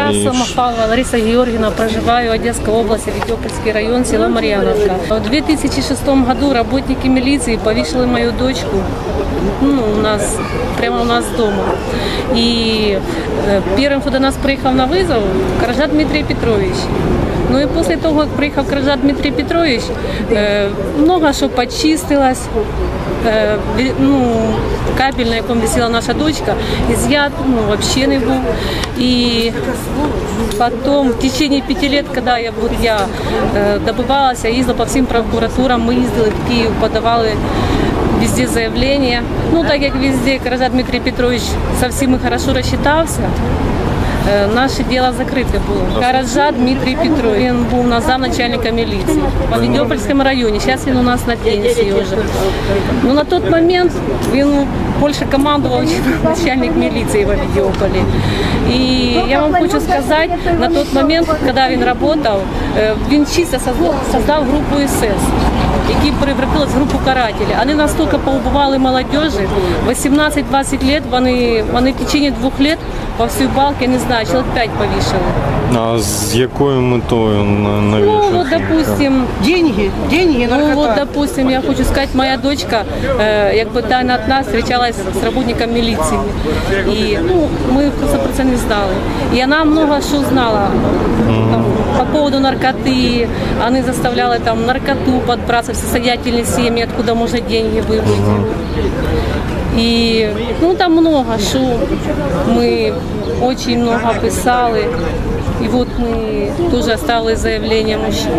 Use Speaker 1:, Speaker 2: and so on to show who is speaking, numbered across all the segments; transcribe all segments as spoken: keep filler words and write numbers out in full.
Speaker 1: Я
Speaker 2: І...
Speaker 1: Самохвалова Лариса Георгиевна, проживаю в Одесской области, Ведёпольский район, село Марьяновка. В две тысячи шестом году работники милиции повесили мою дочку, ну, у нас, прямо у нас дома. И первым, кто до нас приехал на вызов, Каража Дмитрий Петрович. Ну и после того, как приехал Каража Дмитрий Петрович, много что почистилось. Ну, кабель, на якому висела наша дочка, изъят, ну, вообще не был. И потом, в течение пяти лет, когда я, вот, я э, добывалась, я ездила по всем прокуратурам, мы ездили в Киев, подавали везде заявления. Ну, так как везде Каража Дмитрий Петрович со всеми хорошо рассчитался, наше дело закрыто было. Каража Дмитрий Петрович, он был у нас замначальника милиции в Ведёпольском районе. Сейчас он у нас на пенсии уже. Но на тот момент он больше командовал, чем начальник милиции в Ведёполе. И я вам хочу сказать, на тот момент, когда он работал, он чисто создал группу эс эс, які превратилась в групу карателей. Вони настільки поубивали молодежи, вісімнадцять-двадцять лет, вони, вони в течение двох лет по всій балці, я не знаю, чоловік п'ять повішали.
Speaker 2: А з якою метою навішали?
Speaker 1: Ну, вот, допустим,
Speaker 3: деньги, деньги, наркота.
Speaker 1: Ну, вот, допустим, я хочу сказать, моя дочка, э, як бы тайно от нас встречалась с работником милиции. И, ну, мы просто про це не знали. И она много что знала там, по поводу наркоты. Они заставляли там наркоту подбраться в состоятельные семьи, откуда можно деньги выбыть. И, ну, там много что мы очень много писали. И вот мы тоже оставили заявление мужчин.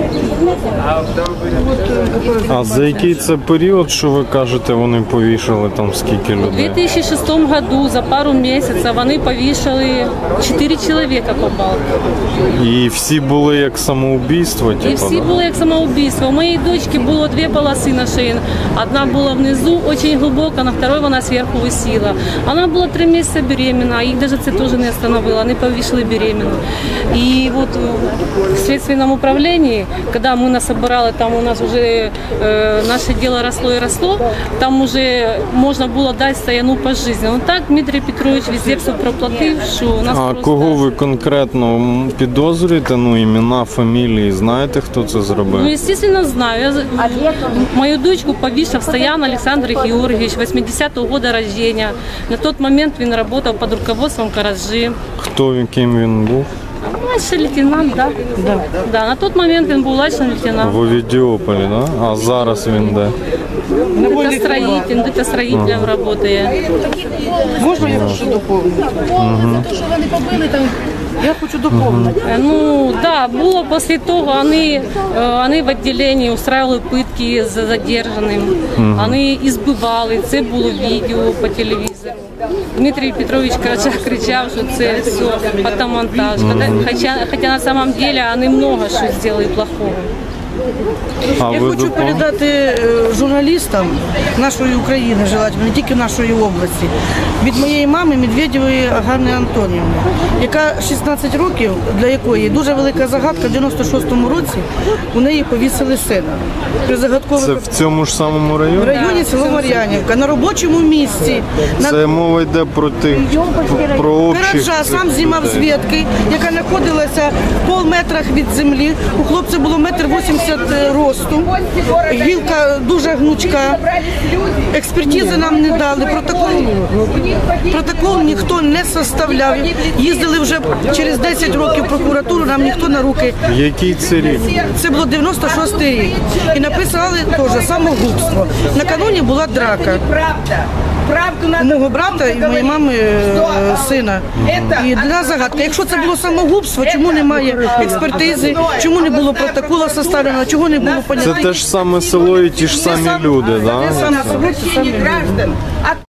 Speaker 2: А за який це період, що ви кажете, вони повішали там скільки людей?
Speaker 1: У две тысячи шестом году за пару месяцев вони повішали чотири чоловіка по балці.
Speaker 2: І всі були як самоубійство?
Speaker 1: І всі були як самоубійство. У моєї дочки було дві полоси на шиї. Одна була внизу, дуже глибока, на второй вона зверху висіла. Вона була три місяці беременна, їх навіть це теж не остановило, вони повішали беременну. И вот в следственном управлении, когда мы нас собирали, там у нас уже э, наше дело росло и росло, там уже можно было дать стояну по жизни. Но так Дмитрий Петрович везде все проплатив, що у нас
Speaker 2: А
Speaker 1: просто...
Speaker 2: кого ви конкретно підозрюєте? Ну, імена, фамілії, знаєте, хто це зробив?
Speaker 1: Ну, естественно, знаю. Я... Мою дочку повісив Стоян Александр Георгиевич, восьмидесятого года рождения. На тот момент он работал под руководством Каражи.
Speaker 2: Хто він, ким він був?
Speaker 1: Младший лейтенант, да. Да. Да, на тот момент він був младшим лейтенантом.
Speaker 2: В Овідіополі, да? А зараз він де?
Speaker 1: Где-то строителем, где-то строителем работает.
Speaker 3: Можна я хочу доповнити? За те, що вони побили там. Я хочу доповнити.
Speaker 1: Ну, да, було після того, вони, вони в відділенні устраивали питки з задержаним, вони ізбивали, це було відео по телевізору. Дмитрий Петрович Карача кричав, що це все фотомонтаж, хоча, хоча на самом деле вони много що зробили плохого.
Speaker 2: А
Speaker 3: Я
Speaker 2: ви
Speaker 3: хочу
Speaker 2: допом...
Speaker 3: передати е, журналістам нашої України, желательно, не тільки нашої області, від моєї мами Медведєвої Ганни Антонівни, яка шістнадцять років, для якої дуже велика загадка, в дев'яносто шостому році у неї повісили сина. При загадкових...
Speaker 2: Це в цьому ж самому районі?
Speaker 3: В районі село Мар'янівка, на робочому місці.
Speaker 2: Це
Speaker 3: на...
Speaker 2: мова йде про тих, про общих...
Speaker 3: Каража сам знімав з ветки, яка знаходилася в пол метрах від землі. У хлопця було метр вісімдесят росту, гілка дуже гнучка, експертизи нам не дали, протокол, протокол ніхто не составляв. Їздили вже через десять років в прокуратуру, нам ніхто на руки.
Speaker 2: Який це рік?
Speaker 3: Це було дев'яносто шостий рік. І написали теж самогубство. Накануні була драка. У мого брата і моєї мами сина. І для нас загадка, якщо це було самогубство, чому немає експертизи, чому не було протоколу составлено, чого не було понятно.
Speaker 2: Це те ж саме село і ті ж самі люди, так?
Speaker 3: Те саме село, ті самі люди.